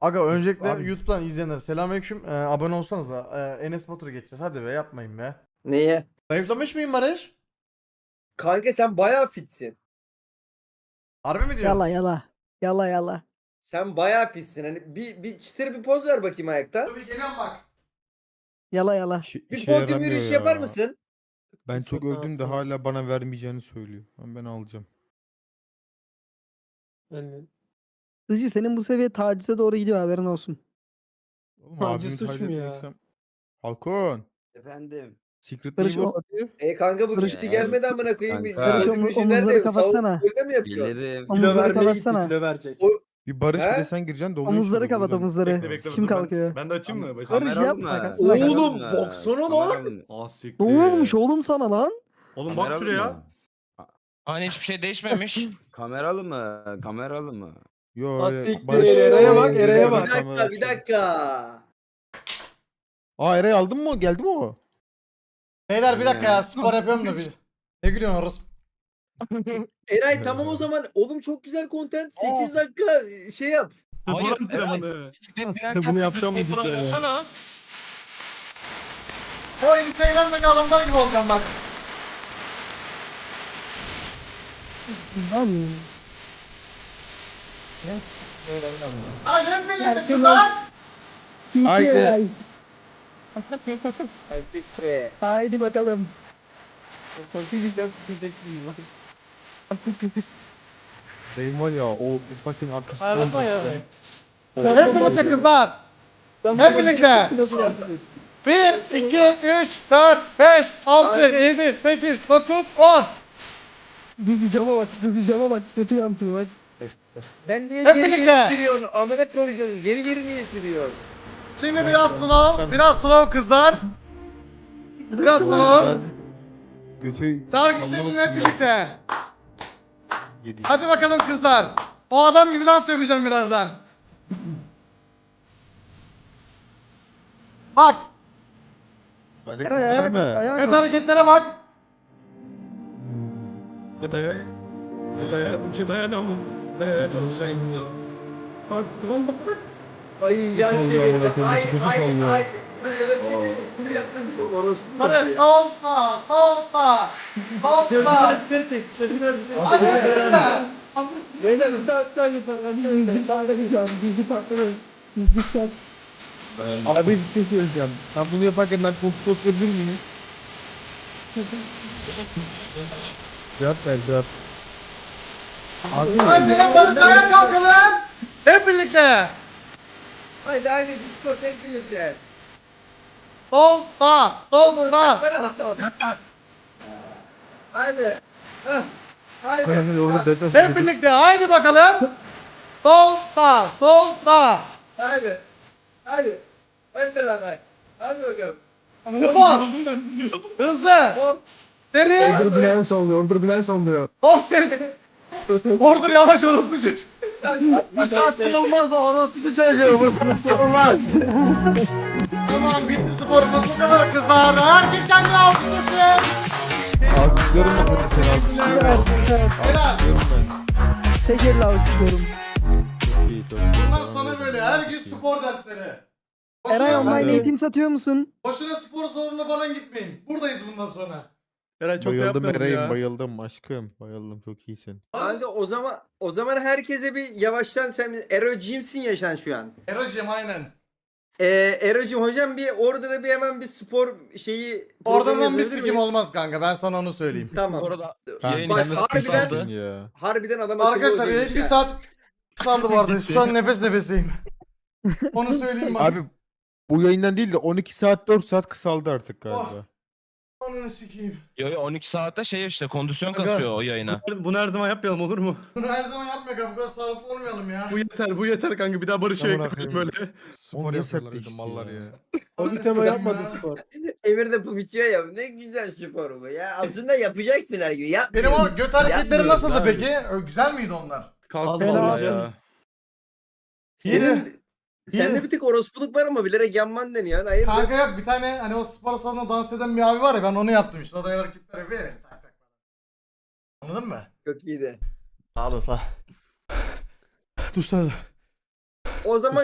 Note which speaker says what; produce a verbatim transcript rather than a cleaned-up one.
Speaker 1: Aga öncelikle
Speaker 2: Abi-
Speaker 1: YouTube'dan izleyenler selamünaleyküm. Ee, abone olsanız da ee, Enes Batur'u geçeceğiz. Hadi be yapmayın be.
Speaker 3: Neye?
Speaker 1: Zayıflamış mıyım Barış?
Speaker 3: Kanka sen bayağı fitsin.
Speaker 1: Harbi mi diyorsun?
Speaker 2: Yala yala. Yala yala.
Speaker 3: Sen bayağı fitsin. Hani bir, bir çıtır bir poz ver bakayım ayakta.
Speaker 1: Dur bir geliyorum bak.
Speaker 2: Yala yala.
Speaker 4: İşe,
Speaker 3: Bir
Speaker 4: işe
Speaker 3: podyum
Speaker 4: yaramıyor
Speaker 3: yürüyüşü
Speaker 4: ya.
Speaker 3: yapar mısın?
Speaker 4: Ben
Speaker 2: Bir
Speaker 4: çok
Speaker 2: sokağın
Speaker 4: öldüm de
Speaker 2: altına.
Speaker 4: hala bana vermeyeceğini söylüyor. Ama ben alacağım.
Speaker 2: Hızcı senin bu seviye tacize doğru gidiyor, haberin olsun.
Speaker 4: Oğlum
Speaker 5: Taciz
Speaker 4: abimi
Speaker 5: suç
Speaker 4: taciz
Speaker 5: mu ya?
Speaker 4: edeceksem. Halkon.
Speaker 6: Efendim.
Speaker 4: Secret
Speaker 2: Barış,
Speaker 4: Neighbor
Speaker 2: o-
Speaker 4: hadi.
Speaker 3: E kanka bu
Speaker 2: Barış-
Speaker 3: gitti gelmedi amına koyayım. Bir
Speaker 6: Kanka.
Speaker 2: Barış,
Speaker 3: podyum
Speaker 2: omu-
Speaker 3: yürüyüşü
Speaker 2: omuzları
Speaker 3: nerede?
Speaker 2: kapatsana.
Speaker 3: Savunma golde mi yapıyor?
Speaker 6: Gelirim.
Speaker 2: Omuzları
Speaker 5: Kilo vermeye gitti,
Speaker 2: kapatsana.
Speaker 5: kilo verecek.
Speaker 4: Bir Barış
Speaker 3: He?
Speaker 4: bir de sen gireceksin doluyor.
Speaker 2: Omuzları
Speaker 4: şimdi
Speaker 2: kapat,
Speaker 4: buradan.
Speaker 2: omuzları.
Speaker 7: Bekle bekle
Speaker 2: Kim
Speaker 7: dur ben-
Speaker 2: kalkıyor?
Speaker 7: Ben de açayım mı? Başım?
Speaker 2: Barış
Speaker 6: Kameralı
Speaker 2: yapma,
Speaker 6: mı?
Speaker 2: kalksana.
Speaker 3: Oğlum,
Speaker 6: Kameralı mı?
Speaker 3: baksana lan.
Speaker 6: Kameralı mı?
Speaker 7: Ah siktir.
Speaker 2: Ne olmuş oğlum sana lan?
Speaker 7: Oğlum bak
Speaker 6: Kameralı
Speaker 7: şuraya.
Speaker 6: mı?
Speaker 8: Hani hiçbir şey değişmemiş.
Speaker 6: Kameralı mı? Kameralı mı?
Speaker 4: Yo,
Speaker 5: Ah
Speaker 4: ya,
Speaker 5: siktir,
Speaker 4: Barış-
Speaker 5: Eray'a bak,
Speaker 4: Bir
Speaker 5: Eray'a
Speaker 3: Bir
Speaker 5: bak.
Speaker 3: dakika bir dakika.
Speaker 4: Aa Eray aldın mı? Geldi mi o?
Speaker 1: Beyler bir dakika ya spor yapıyorum da bir. Ne gülüyorsun orası?
Speaker 3: Eray tamam o zaman. Oğlum çok güzel content. sekiz dakika şey yap.
Speaker 8: Hayır,
Speaker 7: Spor antrenmanı.
Speaker 5: bunu yapacağım mı cidden ya?
Speaker 8: Sana.
Speaker 1: O Instagram'daki adamlar gibi olacağım bak.
Speaker 2: Lan.
Speaker 1: Ay hep birlikte lan.
Speaker 4: Haydi.
Speaker 2: Haydi bakalım.
Speaker 4: Dayım var ya o fucking arkasında.
Speaker 5: Ağlatma ya.
Speaker 1: Hep birlikte kızlar. Hep birlikte. bir, iki, üç, dört, beş, altı, yedi, sekiz, dokuz, on.
Speaker 2: Cama bak, cama bak, kötü yaptım bak.
Speaker 3: Ben niye
Speaker 1: Hep birlikte.
Speaker 3: sürüyorsun? Amına koyacağız. Geri geri niye sürüyorsun?
Speaker 1: Şimdi biraz slow, biraz slow kızlar. Biraz slow.
Speaker 4: Götü...
Speaker 1: Şarkı seninle hep birlikte. Hadi bakalım kızlar. O adam gibi dans yapacağım birazdan. Bak,
Speaker 2: Eray ayağa kalk, ayağa
Speaker 1: evet
Speaker 2: kalk.
Speaker 1: hareketlere bak.
Speaker 5: Dayan. Dayan. Dayanamam. Dayanamam. Bak.
Speaker 3: Ay yan çevirdi. Ay ay ay.
Speaker 1: Hadi sol sağ, sol sağ, sol sağ.
Speaker 4: Abi bir şey söyleyeceğim. Ben bunu yaparken ben kontrol edebilir miyim? Cevap ver cevap. Abi
Speaker 1: Hadi ayağa kalkalım. Hep birlikte.
Speaker 3: Haydi haydi diskotek birlikte.
Speaker 1: Sol sağ, sol sağ.
Speaker 3: Haydi. Hah. Haydi.
Speaker 1: Hep birlikte haydi bakalım. Sol sağ, sol sağ.
Speaker 3: Haydi. Haydi. Hadi beraber. Hadi bakalım.
Speaker 1: Hızlı. Hızlı. Seri.
Speaker 4: Order bilen sallıyor, order bilen sallıyor.
Speaker 1: Hop seri. Ordur yavaş orospu çocuğu.
Speaker 3: Olmaz orası çocuğu. Bu olmaz.
Speaker 1: Tamam bitti sporumuz bu kadar kızlar. Herkes kendini alkışlasın.
Speaker 4: Alkışlıyorum ben hadi seni alkışlıyorum.
Speaker 1: Helal.
Speaker 4: Alkışlıyorum ben.
Speaker 2: Tek elle alkışlıyorum.
Speaker 4: Çok iyi çok iyi.
Speaker 1: Bundan sonra böyle her gün spor dersleri.
Speaker 2: Eray
Speaker 1: Boşuna,
Speaker 2: online
Speaker 4: de-
Speaker 2: eğitim satıyor musun?
Speaker 1: boşuna spor salonuna falan gitmeyin. Buradayız bundan sonra.
Speaker 7: Eren çok da
Speaker 4: Bayıldım
Speaker 7: yapmayalım
Speaker 4: Eray'ım
Speaker 7: ya.
Speaker 4: bayıldım aşkım. Bayıldım çok iyisin.
Speaker 3: Kanka o zaman o zaman herkese bir yavaştan sen Ero Jim'sin ya sen şu an.
Speaker 1: Erocim aynen.
Speaker 3: Ee, Ero'cum hocam bir orada bir hemen bir spor şeyi
Speaker 1: Oradan
Speaker 3: programı
Speaker 1: bir
Speaker 3: yazabilir
Speaker 1: sikim
Speaker 3: miyiz?
Speaker 1: olmaz kanka ben sana onu söyleyeyim.
Speaker 3: Tamam.
Speaker 8: Bu arada
Speaker 4: Kanka
Speaker 8: yayın
Speaker 3: bak,
Speaker 4: sen nasıl
Speaker 3: harbiden-
Speaker 4: kısalsın ya?
Speaker 3: Harbiden adam akıllı
Speaker 1: Arkadaşlar
Speaker 3: hocaymış
Speaker 1: bir
Speaker 3: ha.
Speaker 1: saat kısaldı bu arada. Şu an nefes nefeseyim. Onu söyleyeyim bak.
Speaker 4: Abi bu yayından değil de on iki saat dört saat kısaldı artık galiba.
Speaker 1: Ananı sikeyim.
Speaker 8: yo yo on iki saatte şey işte kondisyon
Speaker 7: Aga.
Speaker 8: kasıyor o yayına.
Speaker 7: Bunu her zaman yapmayalım olur mu?
Speaker 1: Bunu her zaman yapma kanka. Bu kadar sağlıklı olmayalım ya.
Speaker 7: Bu yeter bu yeter kanka bir daha Barış'a
Speaker 4: Amına
Speaker 7: ekleyelim
Speaker 4: koyayım.
Speaker 7: böyle.
Speaker 4: Spor yapıyorlar mallar ya.
Speaker 5: O bir tema yapmadı spor.
Speaker 3: Emir de bu bitiyor ya. Ne güzel spor bu ya. Aslında yapacaksın her gün. Ya.
Speaker 1: Benim o göt hareketleri
Speaker 3: Yapmıyoruz
Speaker 1: nasıldı
Speaker 3: abi.
Speaker 1: peki? Ö, Güzel miydi onlar?
Speaker 7: Kalk
Speaker 5: Allah
Speaker 7: vallahi
Speaker 5: Allah.
Speaker 7: ya.
Speaker 3: Senin
Speaker 1: İyi.
Speaker 3: sende bir tık orospuluk var ama bilerek yanman deniyor. Hayır.
Speaker 1: Kanka yok bir tane hani o spor salonunda dans eden bir abi var ya ben onu yaptım işte. O da hareketler yapıyor ya. Tak tak. Anladın mı?
Speaker 3: Çok iyiydi.
Speaker 1: Sağ olasın. Dur sen.
Speaker 3: O zaman